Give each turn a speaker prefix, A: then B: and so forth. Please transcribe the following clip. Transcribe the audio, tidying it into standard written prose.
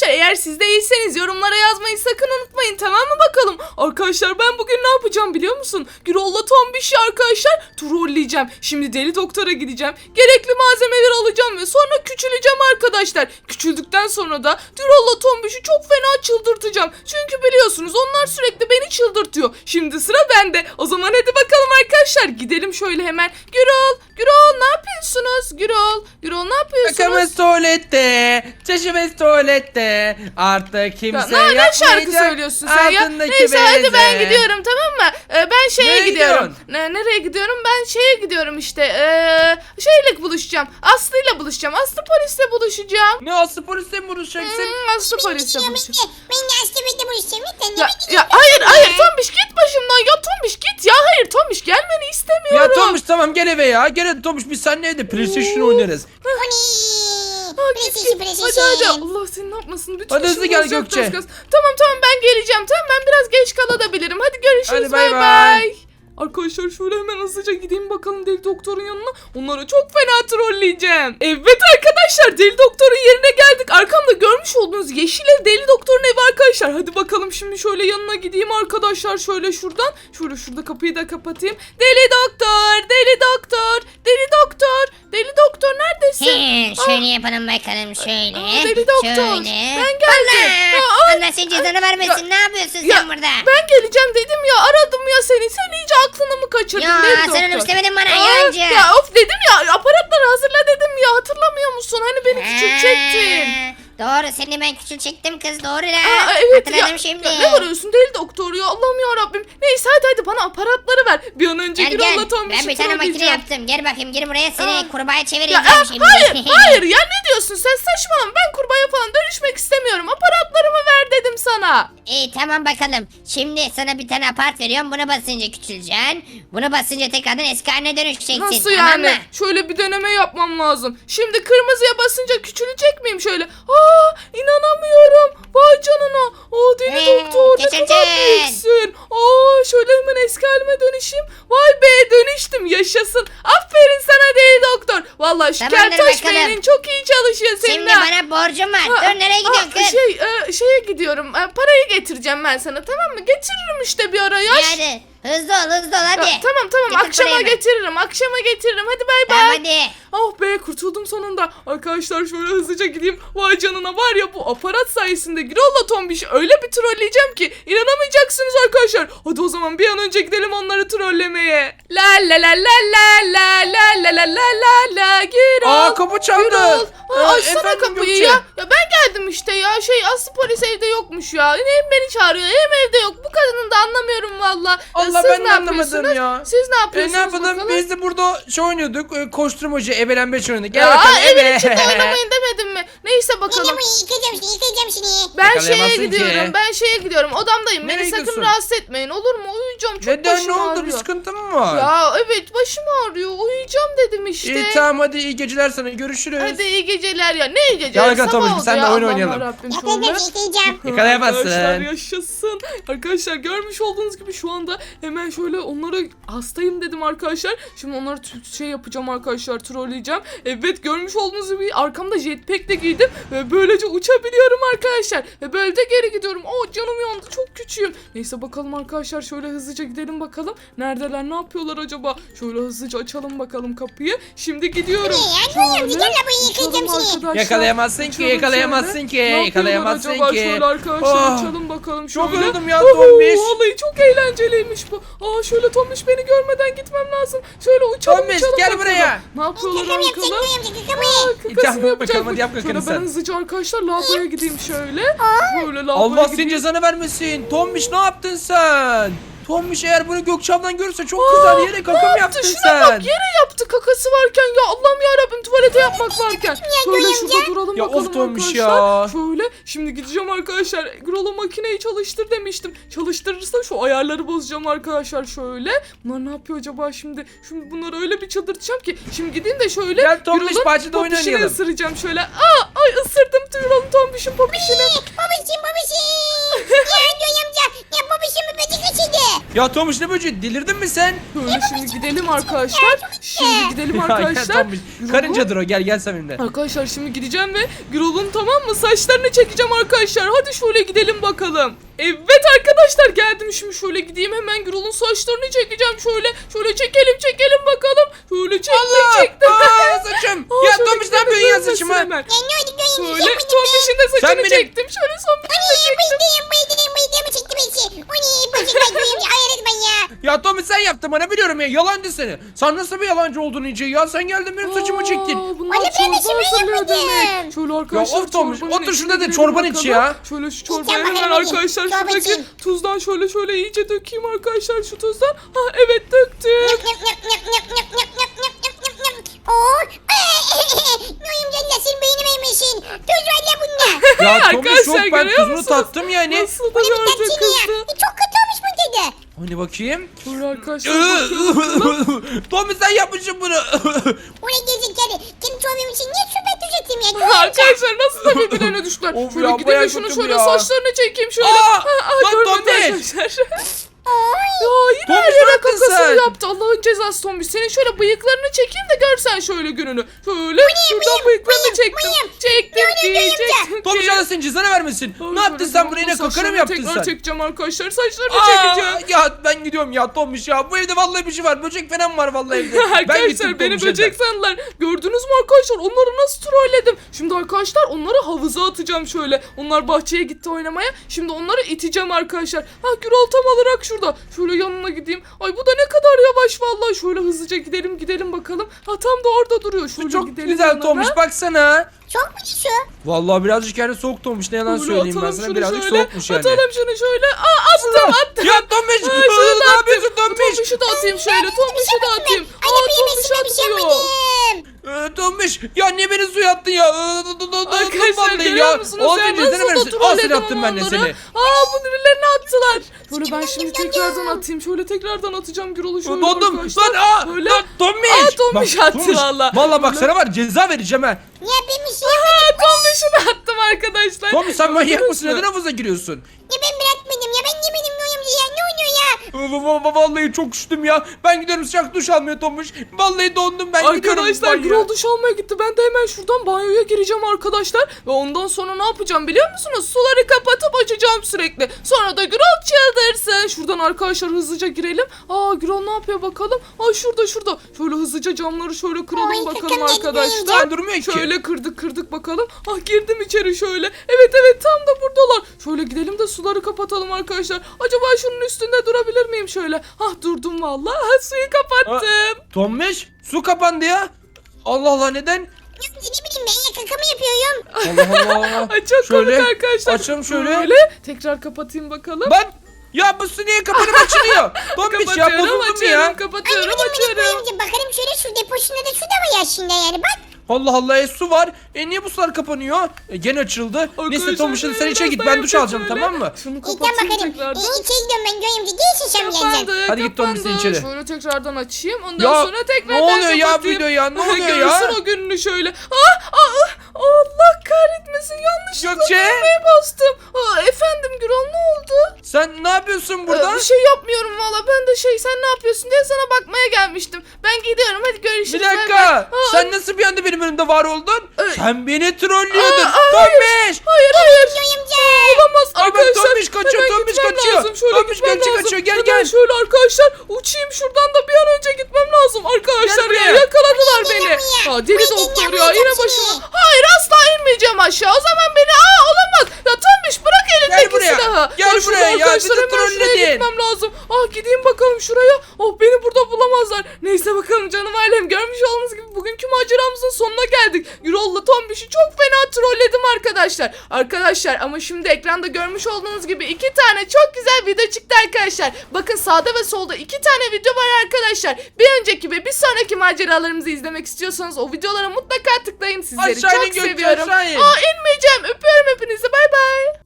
A: eğer siz de iyiyseniz yorumlara yazmayı sakın unutmayın, tamam mı bakalım? Arkadaşlar ben bugün ne yapacağım biliyor musun? Gürol'la Tombiş'i arkadaşlar trolleyeceğim. Şimdi deli doktora gideceğim. Gerekli malzemeleri alacağım ve sonra küçüleceğim arkadaşlar. Küçüldükten sonra da Gürol'la Tombiş'i çok fena çıldırtacağım. Çünkü biliyorsunuz onlar sürekli beni çıldırtıyor. Şimdi sıra bende. O zaman hadi bakalım arkadaşlar. Gidelim şöyle hemen. Gürol ne yapıyorsunuz? Gürol ne yapıyorsunuz?
B: Kakamız tuvalette, çeşimiz tuvalette. Artık kimse
A: Ya, ne
B: yapmayacak.
A: şarkı söylüyorsun sen ya?
B: Altındaki
A: Neyse hadi
B: beze.
A: ben gidiyorum, tamam mı? Ben şeye
B: Nereye
A: gidiyorum. Nereye gidiyorum? Ben şeye gidiyorum işte. Şeyle buluşacağım. Aslı'yla buluşacağım. Aslı polisle buluşacağım.
B: Ne Aslı polisle mi vuracaksın?
A: Aslı polisle buluşacağım.
C: Ben de Aslı'yla buluşacağım.
A: Ya hayır Tombiş git başımdan ya, Tombiş git ya, hayır Tombiş gelmeni istemiyorum.
B: Ya Tomuş tamam gel eve ya. Gel Tomuş biz seninle evde PlayStation oynarız.
A: Hadi Allah seni ne yapmasın lütfen.
B: Hadi hızlı
A: şimdi
B: gel
A: olacak
B: Gökçe.
A: az. Tamam ben geleceğim, tamam ben biraz geç kalabilirim. Hadi görüşürüz,
B: Hadi bay
A: bay
B: bay.
A: bay. Arkadaşlar şöyle hemen hızlıca gideyim bakalım deli doktorun yanına. Onları çok fena trolleyeceğim. Evet arkadaşlar deli doktorun yerine geldik. Arkamda görmüş olduğunuz yeşil ev deli doktorun evi arkadaşlar. Hadi bakalım şimdi şöyle yanına gideyim arkadaşlar. Şöyle şuradan. Şöyle şurada kapıyı da kapatayım. Deli doktor neredesin?
C: Şöyle yapalım bakalım şöyle.
A: Deli doktor.
C: Şöyle.
A: Ben geldim.
C: Allah senin cezanı vermesin. Ne yapıyorsun sen burada?
A: Ben geleceğim dedim ya, aradım ya seni. Sen iyice aklını mı kaçırdın
C: Ya
A: deli
C: sen
A: doktor?
C: onu istemedin bana
A: Aa,
C: yancı.
A: Ya of dedim ya, aparatları hazırla dedim ya, hatırlamıyor musun? Hani beni küçültecektin.
C: Doğru seni ben küçültecektim kız doğru la.
A: Evet
C: Hatırladım
A: ya,
C: şimdi.
A: ya ne vuruyorsun deli doktor ya, Allah'ım ya Rabbim. Neyse hadi bana aparatları ver. Bir an önce
C: Gel
A: Gürol'la
C: gel.
A: Tombiş'i
C: Ben bir tane makine
A: trolleyeceğim.
C: yaptım. Gel bakayım gir buraya seni
A: Aa.
C: kurbağaya
A: Ya,
C: çevireceğim şimdi.
A: hayır ya, ne diyorsun sen, saçmalama, ben kurbağaya falan dönüşmek istemiyorum. Aparatlarımı ver dedim sana.
C: İyi tamam bakalım. Şimdi sana bir tane apart veriyorum. Bunu basınca küçüleceksin. Bunu basınca tekrardan eski haline dönüşeceksin.
A: Nasıl
C: tamam
A: yani?
C: mı?
A: Şöyle bir deneme yapmam lazım. Şimdi kırmızıya basınca küçülecek miyim şöyle? İnanamıyorum. Vay canına. Deli doktor ne kadar
C: küçüleceksin.
A: büyüksün. Şöyle hemen eski halime dönüşeyim. Vay be, dönüştüm, yaşasın. Aferin sana deli doktor. Vallahi şu
C: Tamamdır
A: keltoş
C: bakalım.
A: beynin çok iyi çalışıyor senin.
C: Şimdi
A: ha.
C: bana borcum var.
A: Ha,
C: Dur nereye gidiyorsun kız?
A: Şeye gidiyorum. Parayı getireceğim ben sana, tamam mı? Getiririm işte bir ara ya.
C: Hadi hızlı ol hadi.
A: Ya, tamam
C: Getir
A: akşama
C: parayı hemen.
A: getiririm. Hadi bay bay.
C: Tamam hadi.
A: Oh be, kurtuldum sonunda. Arkadaşlar şöyle hızlıca gideyim. Vay canına, var ya bu aparat sayesinde Gürol'la Tombiş'i öyle bir trolleyeceğim ki inanamayacaksınız arkadaşlar. Hadi o zaman bir an önce gidelim onları trollemeye. La la la la la la la la la la la la Gürol.
B: Kapı çaldı.
A: Gürol. Açsana
B: Efendim
A: kapıyı
B: Gökçe?
A: ya. Ya ben geldim işte ya. Aslı polis evde yokmuş ya. Hem beni çağırıyor hem evde yok. Bu kadını da anlamıyorum valla.
B: Allah
A: Siz
B: ben
A: ne
B: de anlamadım
A: yapıyorsunuz?
B: ya.
A: Siz ne yapıyorsunuz
B: Ne yapalım
A: bakalım?
B: biz de burada oynuyorduk. Koşturmacı ebelenbeç oynadık. Gel
A: Ya
B: bakalım
A: evin
B: eve.
A: içinde oynamayın demedim mi? Neyse bakalım.
C: Yıkayacağım seni.
A: Ben
B: Yakalayamazsın
A: şeye gidiyorum. Odamdayım.
B: Nereye
A: Beni sakın
B: gidiyorsun?
A: rahatsız etmeyin, olur mu? Uyuyacağım, çok
B: Neden
A: başım
B: ne oldu bir
A: ağrıyor.
B: sıkıntı mı var?
A: Ya evet, başım ağrıyor. Uyuyacağım dedim işte.
B: İyi tamam hadi iyi geceler sana görüşürüz.
A: Hadi iyi geceler ya. Ne iyi geceler?
B: Gel bakalım
A: Sabah
B: Tomuş,
A: oldu
B: sen de
A: ya.
B: oyun
A: Allah'ım
B: oynayalım.
A: yarabbim, şöyle.
C: Yıkayacağım.
B: Yakalayamazsın.
A: Arkadaşlar yaşasın. Arkadaşlar görmüş olduğunuz gibi şu anda hemen şöyle onlara hastayım dedim arkadaşlar. Şimdi onları şey yapacağım arkadaşlar, trolleyeceğim. Evet, görmüş olduğunuz gibi arkamda jetpack de giydim ve böylece uçabiliyorum arkadaşlar. Ve böyle de geri gidiyorum. Canım yandı, çok küçüğüm. Neyse bakalım arkadaşlar, şöyle hızlıca gidelim bakalım. Neredeler, ne yapıyorlar acaba? Şöyle hızlıca açalım bakalım kapıyı. Şimdi gidiyorum.
C: Bir gel buraya yıkayacağım
A: Uçalım
C: seni.
A: arkadaşlar.
B: Yakalayamazsın ki,
A: Uçalım
B: yakalayamazsın
A: şöyle.
B: ki,
A: Ne yapıyorlar
B: yakalayamazsın
A: acaba?
B: ki.
A: Şöyle arkadaşlar
B: Oh,
A: uçalım bakalım
B: çok
A: şöyle.
B: yoruldum ya Tombiş.
A: Vallahi çok eğlenceliymiş bu. Şöyle Tombiş, beni görmeden gitmem lazım. Şöyle uçalım
B: Tombiş,
A: uçalım
B: gel
A: bakalım.
B: buraya.
A: Ne yapıyorlar
C: Kakam
A: bakalım?
C: yapacak.
A: Kakasını
B: Yap bakalım,
A: yapacak.
B: hadi yap kakanı
A: Şöyle ben
B: sen.
A: hızlıca arkadaşlar lavaboya gideyim şöyle. Böyle lavaboya
B: Allah senin
A: gideyim.
B: cezanı vermesin. Tombiş ne yaptın sen? Tombiş eğer bunu Gökçe ablan görürse çok kızar, yere kakam yaptın
A: Şuna
B: sen.
A: bak, yere yaptı kakası varken ya, Allah'ım yarabbim, tuvalete yapmak varken. Şöyle şurada duralım
B: Ya
A: bakalım
B: of Tombiş
A: arkadaşlar.
B: ya.
A: Şöyle şimdi gideceğim arkadaşlar. Gürol'a makineyi çalıştır demiştim. Çalıştırırsa şu ayarları bozacağım arkadaşlar şöyle. Bunlar ne yapıyor acaba şimdi? Şimdi bunları öyle bir çıldırtacağım ki. Şimdi gideyim de şöyle
B: Gel Tombiş,
A: Gürol'un
B: bahçede oyun
A: popişini
B: oynayalım.
A: ısıracağım şöyle. Ay ısırdım Gürol'un Tombiş'in popişini.
C: Babacım. Ya Göğe amca. Ya babacım bir böcek kaçırdı.
B: Ya Tomuş ne böceği delirdin mi sen?
A: Böyle şimdi gidelim arkadaşlar. Şimdi gidelim arkadaşlar.
B: Ya, Tomuş, karıncadır o, gel sen benimle.
A: Arkadaşlar şimdi gideceğim ve Gürol'un tamam mı saçlarını çekeceğim arkadaşlar. Hadi şöyle gidelim bakalım. Evet arkadaşlar geldim şimdi şöyle gideyim hemen Gürol'un saçlarını çekeceğim şöyle çekelim bakalım. Şöyle çektim.
B: Aa, saçım.
A: Aa,
B: Ya
A: şöyle
B: Tomuş ne yapıyorsun ya
A: görünmesin
B: saçıma?
A: hemen.
C: Ya ne oldu Göğe amca?
A: Şöyle Tombiş'in de
B: Sen
A: saçını
B: benim-
A: çektim. Şöyle son bir de çektim.
C: Bıydım çekti beni. O ne böcek var Göğe amca. Hayret ben ya.
B: Ya Tomuş sen yaptın bana biliyorum ya, yalancı seni. Sen nasıl bir yalancı oldun iyice ya, sen geldin benim saçımı çektin.
A: Bunlar
C: Anne, ben de
A: çorba
C: şimdi
A: hazırlıyor
C: yapmadım.
A: demek. Şöyle arkadaşlar
B: Ya of Tomuş,
A: çorbanın
B: otur
A: içine
B: şurada da
A: girelim
B: çorbanı iç
A: bakalım.
B: ya.
A: Şöyle şu çorbayı
C: İçeceğim
A: hemen
C: bakalım,
A: arkadaşlar
C: çorba
A: şuradaki
C: içeyim.
A: tuzdan şöyle iyice dökeyim arkadaşlar şu tuzdan. Ha evet döktüm.
C: Noyum canına senin beynime yemişsin. Tuz var ya bunda.
B: Ya Tomuş yok,
A: Arkadaşlar,
B: ben
A: görüyor
B: tuzunu
A: musunuz?
B: tattım yani.
A: Nasıl da
C: Bu ne bir
A: görecek
C: tatsın ya.
A: kızdı.
C: Çok kötü olmuş bu tadı.
B: Hani bakayım.
A: Şöyle arkadaşlar bakıyorum.
B: Tomuş sen yapmışsın bunu.
C: Oraya gezecekleri. Kendi çoğum için niye süper tuz atayım ya? Göğe amca.
A: Arkadaşlar nasıl da birbirlerine düştüler.
B: Of
A: Şöyle
B: ya,
A: gideyim
B: bayağı
A: de şunu
B: kötü bu
A: şöyle
B: ya.
A: saçlarını çekeyim şöyle.
B: Aa, lan
A: görmedi
B: Tombiş.
A: arkadaşlar.
C: Ay.
A: Ya yine
B: Tombiş,
A: her
B: ne
A: yere
B: yaptın
A: kakasını
B: sen?
A: yaptı. Allah'ın cezası Tombiş. Senin şöyle bıyıklarını çekeyim de görsen şöyle gününü. Şöyle şuradan bıyıklarını çektim. Çektim.
B: Tomuş Allah senin cezanı vermesin. Ne yaptın sen buraya, yine kakara mı yaptın
A: Tekrar
B: sen?
A: çekeceğim arkadaşlar. Saçlarını
B: Aa,
A: çekeceğim.
B: ya ben gidiyorum ya Tomuş ya. Bu evde vallahi bir şey var. Böcek falan var vallahi evde. Ben gittim
A: Arkadaşlar beni
B: Tomuş'a
A: böcek
B: da.
A: sandılar. Gördünüz mü arkadaşlar? Onları nasıl trolledim? Şimdi arkadaşlar onları havuza atacağım şöyle. Onlar bahçeye gitti oynamaya. Şimdi onları iteceğim arkadaşlar. Ha Gürol tam olarak şurada. Şöyle yanına gideyim. Ay bu da ne kadar yavaş vallahi. Şöyle hızlıca gidelim bakalım. Ha tam da orada duruyor. Şöyle
B: Çok
A: gidelim
B: güzel
A: yanına.
B: Tomuş baksana.
C: Çok mu şu?
B: Vallahi birazcık yani soğuk Tomuş, ne yalan
A: Şöyle
B: söyleyeyim ben
A: atalım
B: sana,
A: şunu
B: birazcık
A: şöyle,
B: soğukmuş yani.
A: Atalım şunu şöyle. Attım.
B: Ya Tomuş
A: Ha, şunu da
B: ne
A: attım.
B: yapıyorsun Tomuş?
A: Tombiş'i de atayım şöyle. Tombiş'i de atayım.
C: Anne benim
A: Tombiş
C: üstüme bir şey
A: atıyor.
C: yapmadım.
B: Tomuş ya niye beni suya attın ya?
A: Arkadaşlar görüyor musunuz?
B: Al
A: Ben
B: seni cezanı
A: nasıl da
B: verirsin. Al seni
A: trolledim
B: attım ben de
A: onları.
B: seni.
A: Bunu birilerine attılar. Böyle ben
C: Yum,
A: şimdi
C: yum, yum,
A: tekrardan
C: yum.
A: atayım. Şöyle tekrardan atacağım Gürol'u şöyle
B: Dondum.
A: arkadaşlar.
B: Lan
A: Böyle.
B: Tomuş.
A: Tomuş
B: Bak,
A: attı
B: Tomuş,
A: valla.
B: Valla bak
A: Böyle.
B: sana var ceza vereceğim ha.
C: Ya ben bir şey yapmadım.
A: Tombiş'i de attım arkadaşlar.
B: Tomuş sen manyak
A: Gördünüz
B: mısın?
A: mü?
B: Neden havuza giriyorsun?
C: Ya ben bırakmadım ya. Ben yemedim Noyum ya. Ne oluyor ya?
B: Vallahi çok üşüdüm ya. Ben gidiyorum, sıcak duş almıyor Tomuş. Vallahi dondum, ben gidiyorum.
A: Arkadaşlar
B: banyoya.
A: Gürol duş almaya gitti. Ben de hemen şuradan banyoya gireceğim arkadaşlar. Ve ondan sonra ne yapacağım biliyor musunuz? Suları kapatıp açacağım sürekli. Sonra da Gürol çıldırsın. Şuradan arkadaşlar hızlıca girelim. Gürol ne yapıyor bakalım? Şurada. Şöyle hızlıca camları şöyle kıralım
C: Ay,
A: bakalım
C: kakam
A: arkadaşlar.
C: yetmeyince.
B: Durmuyor ki.
A: Şöyle kırdık bakalım. Girdim içeri şöyle. Evet tam da buradalar. Şöyle gidelim de suları kapatalım arkadaşlar. Acaba şunun üstünde durabilir miyim şöyle? Durdum vallahi. Suyu kapattım.
B: Tomuş su kapandı ya. Allah Allah, neden?
C: Ya ne bileyim ben ya kakamı yapıyorum.
B: Allah Allah.
A: Ay çok
B: Şöyle,
A: komik arkadaşlar.
B: açalım şöyle.
A: Tekrar kapatayım bakalım.
B: Bak ya bu su niye kapanıp açılıyor? Tomuş ya, bozuldu mu ya?
A: Kapatıyorum
C: Anne benim
A: açıyorum.
C: Noyum'cum bakalım şöyle su deposunda da su da var aslında yani bak.
B: Allah Allah, su var. Niye bu sular kapanıyor? Gene açıldı. Neyse Tomuş hadi sen içe git, ben duş alacağım, tamam mı?
A: Şunu
C: İyi tamam
A: kapatayım
C: bakalım.
A: tekrardan.
C: İçeri gidiyorum ben Noyum'cum. Gelsin sen geleceksin.
A: Kapandı,
B: Hadi git Tombiş, sen içeri.
A: Şöyle tekrardan açayım. Ondan
B: Ya,
A: sonra tekrar
B: ne oluyor ya
A: kapatayım.
B: video ya, ne oluyor ya?
A: Görürsün o gününü şöyle. Allah kahretmesin, yanlışlıkla
B: Gökçe.
A: düğmeye bastım. Efendim Gürol, ne oldu?
B: Sen ne yapıyorsun burada?
A: Bir şey yapmıyorum valla. Ben de sen ne yapıyorsun diye sana bakmaya gelmiştim. Ben gidiyorum, hadi görüşürüz.
B: Bir
A: bay bay.
B: dakika. Sen nasıl bir anda benim önümde var oldun? Sen beni trollüyordun.
A: Hayır.
B: Tomuş.
A: Hayır.
C: Noyum'cum.
A: Olamaz
B: Ama
A: arkadaşlar.
B: Tombiş kaçıyor,
A: hemen
B: Tombiş
A: gitmem
B: kaçıyor.
A: lazım. Şöyle
B: Tombiş
A: gitmem
B: kaçıyor,
A: lazım.
B: kaçıyor. Gel,
A: Hemen
B: gel.
A: şöyle arkadaşlar uçayım şuradan da bir an önce gitmem lazım. Arkadaşlar
B: Gel
A: ya
B: buraya.
A: yakaladılar
C: Ay,
A: beni.
C: dinlemiyor.
A: Deli
C: Ay,
A: doktor ya
C: dinlemiyor
A: yine
C: seni.
A: başıma. Hayır asla inmeyeceğim aşağı. O zaman beni olamaz. Ya Tombiş bırak elindeki
B: buraya.
A: silahı.
B: Gel
A: şurada
B: buraya ya,
A: arkadaşlar,
B: bizi
A: hemen şuraya
B: trolledin.
A: gitmem lazım. Gideyim bakalım şuraya. Beni burada bulamazlar. Neyse bakalım canım ailem. Görmüş olduğunuz gibi bugünkü maceramızın sonuna geldik. Gürol'la Tombiş'i çok fena trolledim arkadaşlar. Arkadaşlar ama şimdi ekranda görmüş olduğunuz gibi 2 tane çok güzel video çıktı arkadaşlar. Bakın sağda ve solda 2 tane video var arkadaşlar. Bir önceki ve bir sonraki maceralarımızı izlemek istiyorsanız o videolara mutlaka tıklayın. Sizleri
B: Aşağı in
A: çok
B: Gökçe,
A: seviyorum.
B: aşağı in.
A: İnmeyeceğim. Öpüyorum hepinizi. Bay bay.